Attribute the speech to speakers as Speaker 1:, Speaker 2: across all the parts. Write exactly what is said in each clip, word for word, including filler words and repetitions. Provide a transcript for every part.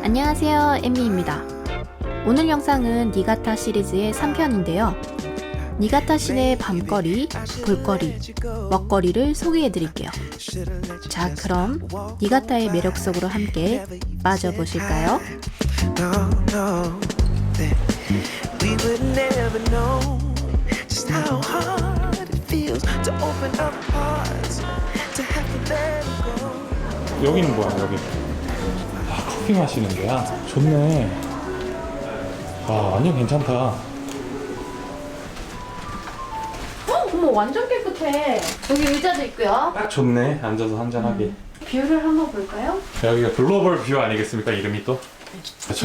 Speaker 1: 안녕하세요, 엠미입니다. 오늘 영상은 니가타 시리즈의 삼 편인데요. 니가타 시내 밤거리, 볼거리, 먹거리를 소개해드릴게요. 자, 그럼 니가타의 매력 속으로 함께 빠져보실까요?
Speaker 2: 여기는 뭐야, 여기? 아, 커피 마시는 데야? 좋네. 와, 완전 괜찮다.
Speaker 1: 어, 어머, 완전 깨끗해. 여기 의자도 있고요.
Speaker 2: 딱 좋네, 앉아서 한잔하기.
Speaker 1: 음. 뷰를 한번 볼까요?
Speaker 2: 여기가 글로벌 뷰 아니겠습니까, 이름이 또? 그쵸?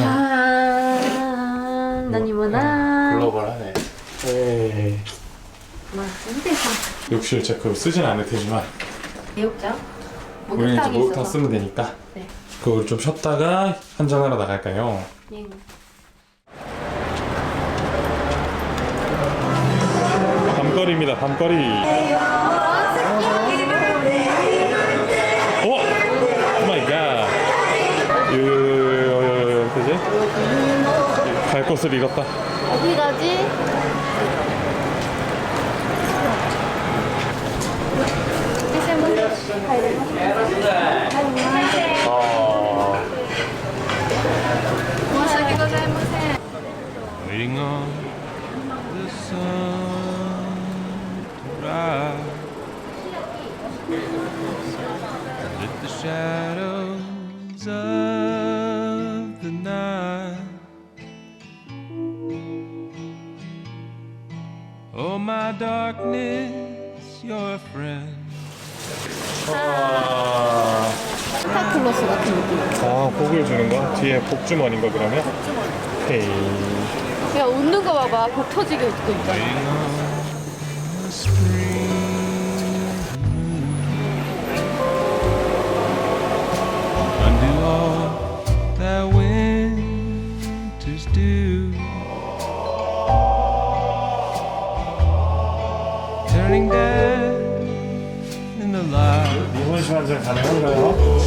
Speaker 1: 짠, 나니모나.
Speaker 2: 글로벌하네. 에이.
Speaker 1: 와, 힘들다.
Speaker 2: 욕실 제그 쓰진 않을 테지만
Speaker 1: 내욕장?
Speaker 2: 우리는 이제
Speaker 1: 목욕탕이
Speaker 2: 목욕탕
Speaker 1: 있어서.
Speaker 2: 쓰면 되니까
Speaker 1: 네.
Speaker 2: 그걸 좀 쉬었다가 한잔하러 나갈까요?
Speaker 1: 네.
Speaker 2: 밤거리입니다, 밤거리. 오! 오 마이 갓. 유유유유 그지? 갈 곳을 잃었다.
Speaker 1: 어디 가지?
Speaker 2: 아.
Speaker 3: Waiting on the sun to rise, with the shadows of the night. Oh, my darkness, your friend.
Speaker 2: 아,
Speaker 1: 산타클로스 같은 느낌.
Speaker 2: 아, 복을 주는 거? 뒤에 복주머니인가 그러면? 헤이.
Speaker 1: 야, 웃는 거 봐봐. 복 터지게 웃고 있잖아.
Speaker 3: Waiting on the spring undo all that winters do, turning dead in the light.
Speaker 2: 이혼시 한잔 가능한가요?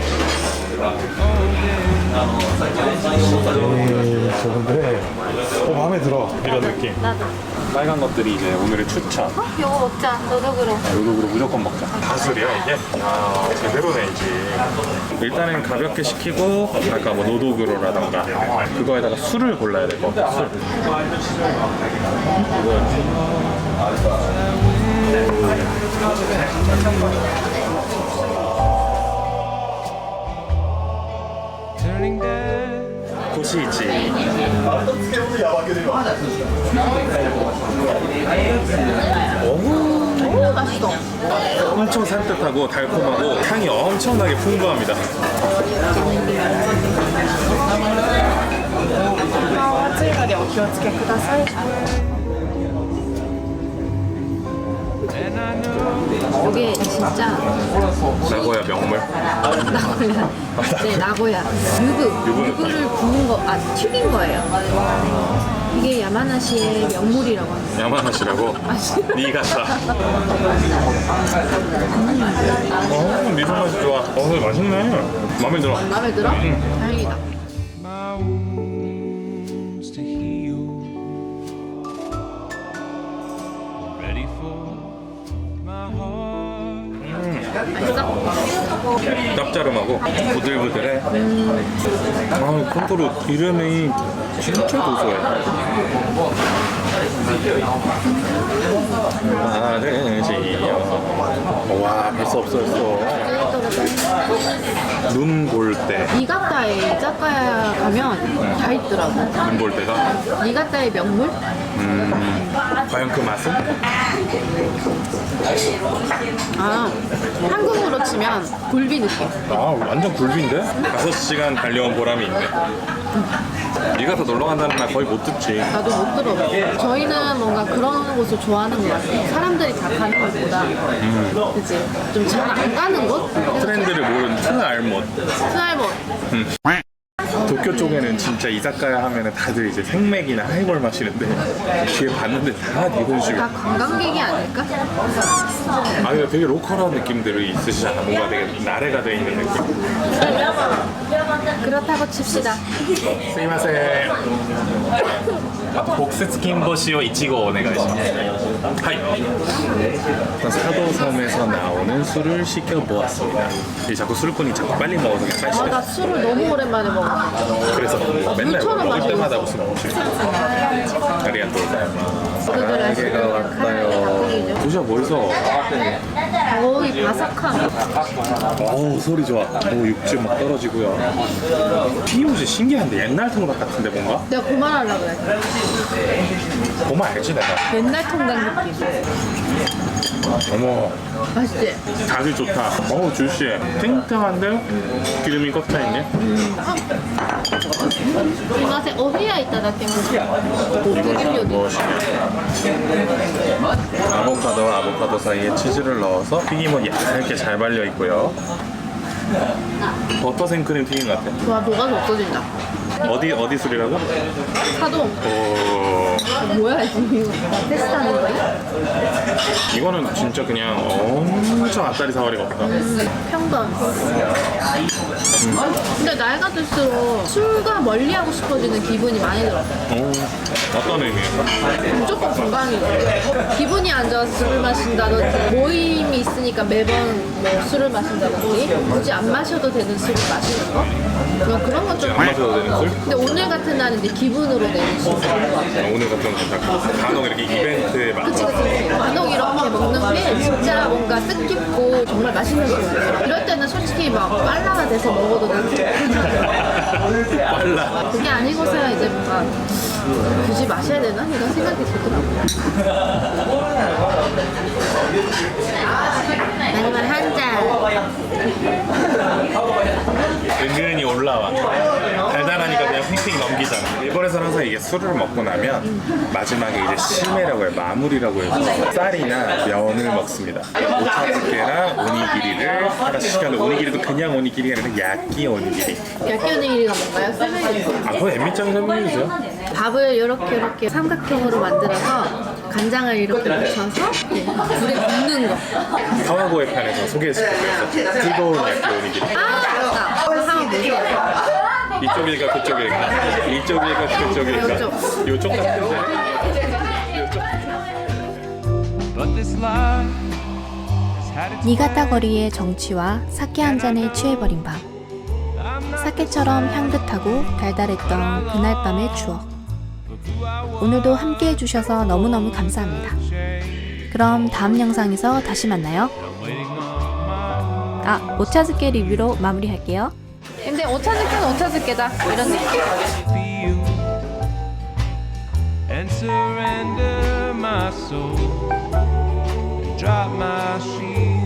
Speaker 2: 에이, 저분들의 어, 마음에 들어, 이런 느낌.
Speaker 1: 나도.
Speaker 2: 빨간 것들이 이제 오늘의 추천.
Speaker 1: 어? 이거 먹자. 노력으로.
Speaker 2: 요독으로 무조건 먹자. 다술이야 이게? 야, 제대로네 이제. 일단은 가볍게 시키고 아까 뭐 노독으로라던가 그거에다가 술을 골라야 될 것 같아. 술.
Speaker 3: Turning dead.
Speaker 2: 도시이치.
Speaker 1: 오, 맛있어.
Speaker 2: 엄청 산뜻하고 달콤하고 향이 엄청나게 풍부합니다.
Speaker 3: And I know
Speaker 1: 이게 진짜
Speaker 2: 나고야 명물.
Speaker 1: 나고야. 네, 나고야. 유부. 유부를 구운 거, 아, 튀긴 거예요. 이게 야마나시의 명물이라고 합니다.
Speaker 2: 야마나시라고? 니가타. 어, 미소 맛이 좋아. 어, 맛있네. 마음에 들어.
Speaker 1: 마음에 들어? 다행이다.
Speaker 3: my wounds to heal, ready for my heart.
Speaker 1: 맛있어?
Speaker 2: 짭짜름하고 부들부들해. 아, 콘토로 기름이 진짜 고소해. 아르지요. 와, 벌써 없어졌어. 눈 볼 때.
Speaker 1: 니가타에 이자카야 가면 다 있더라고.
Speaker 2: 눈 볼 때가?
Speaker 1: 니가타의 명물?
Speaker 2: 음, 과연 그 맛은?
Speaker 1: 아, 한국으로 치면 굴비 느낌.
Speaker 2: 아, 완전 굴비인데? 다섯 시간 달려온 보람이 있네. 네가 더 놀러 간다는 말 거의 못 듣지.
Speaker 1: 나도 못 들어. 저희는 뭔가 그런 곳을 좋아하는 것 같아요. 사람들이 다 가는 곳보다.
Speaker 2: 음.
Speaker 1: 그치? 좀 잘 안 가는 곳?
Speaker 2: 트렌드를 모르는 트알못.
Speaker 1: 스날못.
Speaker 2: 음. 도, 도쿄 쪽에는 진짜 이자카야 하면은 다들 이제 생맥이나 하이볼 마시는데 뒤에 봤는데 다
Speaker 1: 다
Speaker 2: 일본식이야.
Speaker 1: 관광객이 아닐까?
Speaker 2: 아 근데 되게 로컬한 느낌들이 있으시잖아. 뭔가 되게 나래가 돼 있는 느낌.
Speaker 1: 그렇다고 칩시다.
Speaker 2: すいません。あと北節金星をいちごお願いします。はい。 사도섬에서 나오는 술을 시켜 보았습니다. 이 자꾸 술꾼이 자꾸 빨리 먹어서 그냥
Speaker 1: 아, 나
Speaker 2: 빨리
Speaker 1: 술을 너무 오랜만에 먹어.
Speaker 2: 그래서 맨날
Speaker 1: 물처럼
Speaker 2: 먹을
Speaker 1: 마시고
Speaker 2: 때마다
Speaker 1: 있어.
Speaker 2: 무슨 음식. 아리가또 고자이마스.
Speaker 1: 오늘들
Speaker 2: 가게가 왔어요. 도시락 멋있어.
Speaker 1: 거의 바삭함.
Speaker 2: 어우 소리 좋아. 오 육즙 막 떨어지고요. 튀김옷이 신기한데 옛날 통닭 같은데 뭔가?
Speaker 1: 내가 그만하려고 그래.
Speaker 2: 보면 알지 내가.
Speaker 1: 옛날 통닭 느낌.
Speaker 2: 어머
Speaker 1: 맛있지?
Speaker 2: 자질 좋다. 어우 주시 탱탱한데 기름이 꽉 차있네.
Speaker 1: 이 맛에 어휘야 있다 때문에. 독일 요리.
Speaker 2: 무엇이냐? 아보카도와 아보카도 사이에 치즈를 넣어서 튀김은 얇게 잘 발려 있고요. 버터 생크림 튀김 같아.
Speaker 1: 와, 녹아서 없어진다.
Speaker 2: 어디 어디 술이라고?
Speaker 1: 사동.
Speaker 2: 오
Speaker 1: 뭐야, 지금 이거. 테스트하는 거야?
Speaker 2: 이거는 진짜 그냥 엄청 앞다리 사거리가 없다.
Speaker 1: 평범. 근데 나이가 들수록 술과 멀리하고 싶어지는 기분이 많이 들어.
Speaker 2: 오 어떤 의미에서?
Speaker 1: 무조건 건강이고 기분이 안 좋아서 술을 마신다든지 모임이 있으니까 매번 뭐 술을 마신다든지 굳이 안 마셔도 되는 술을 마시는 거? 뭐 그런 건 좀.
Speaker 2: 안 마셔도 되는 술?
Speaker 1: 근데 오늘 같은 날은 이제 기분으로 내는 술.
Speaker 2: 오늘 같은 건 괜찮고 간혹 이렇게 이벤트에 막
Speaker 1: 그치 그치. 간혹 이렇게 먹는 게 진짜 뭔가 뜻깊고 정말 맛있는 술이에요. 이럴 때는 솔직히 막 빨라가 돼서 먹어도 되는
Speaker 2: 빨라.
Speaker 1: 그게 아니고서야 이제 뭔가 굳이 마셔야 되나? 이런 생각이 들더라고요. 마지막 한 잔.
Speaker 2: 은근히 올라와. 달달하니까 그냥 휙휙 넘기잖아. 일본에서는 항상 이게 술을 먹고 나면 마지막에 이제 시메라고 해요. 마무리라고 해서 쌀이나 면을 먹습니다. 오차즈케랑 오니기리를 하나씩 시켰는데 오니기리도 그냥 오니기리가 아니라 야끼 오니기리.
Speaker 1: 야끼 오니기리가 뭔가요? 설명해주세요.
Speaker 2: 아, 그건 엠미짱이 설명해주세요.
Speaker 1: 밥을 이렇게 이렇게 삼각형으로 만들어서 간장을 이렇게 묻혀서 이렇게 불에 굽는 거.
Speaker 2: 카와고에 판에서 소개해줄게요. 뜨거운 야끼 오니기리.
Speaker 1: 아 맞다. 한번 보세요.
Speaker 2: 이쪽일까 그쪽일까? 이쪽일까 그쪽일까?
Speaker 1: 요쪽.
Speaker 2: 요쪽 같은데? 요쪽.
Speaker 3: But this life has had its
Speaker 4: 니가타 거리의 정취와 사케 한 잔에 취해버린 밤. 사케처럼 향긋하고 달달했던 그날 밤의 추억. 오늘도 함께 해주셔서 너무너무 감사합니다. 그럼 다음 영상에서 다시 만나요. 아, 오차즈케 리뷰로 마무리할게요.
Speaker 1: 근데 오차즈케는 오차즈케다. 이런 느낌.
Speaker 3: feel and surrender my soul and drop my shield.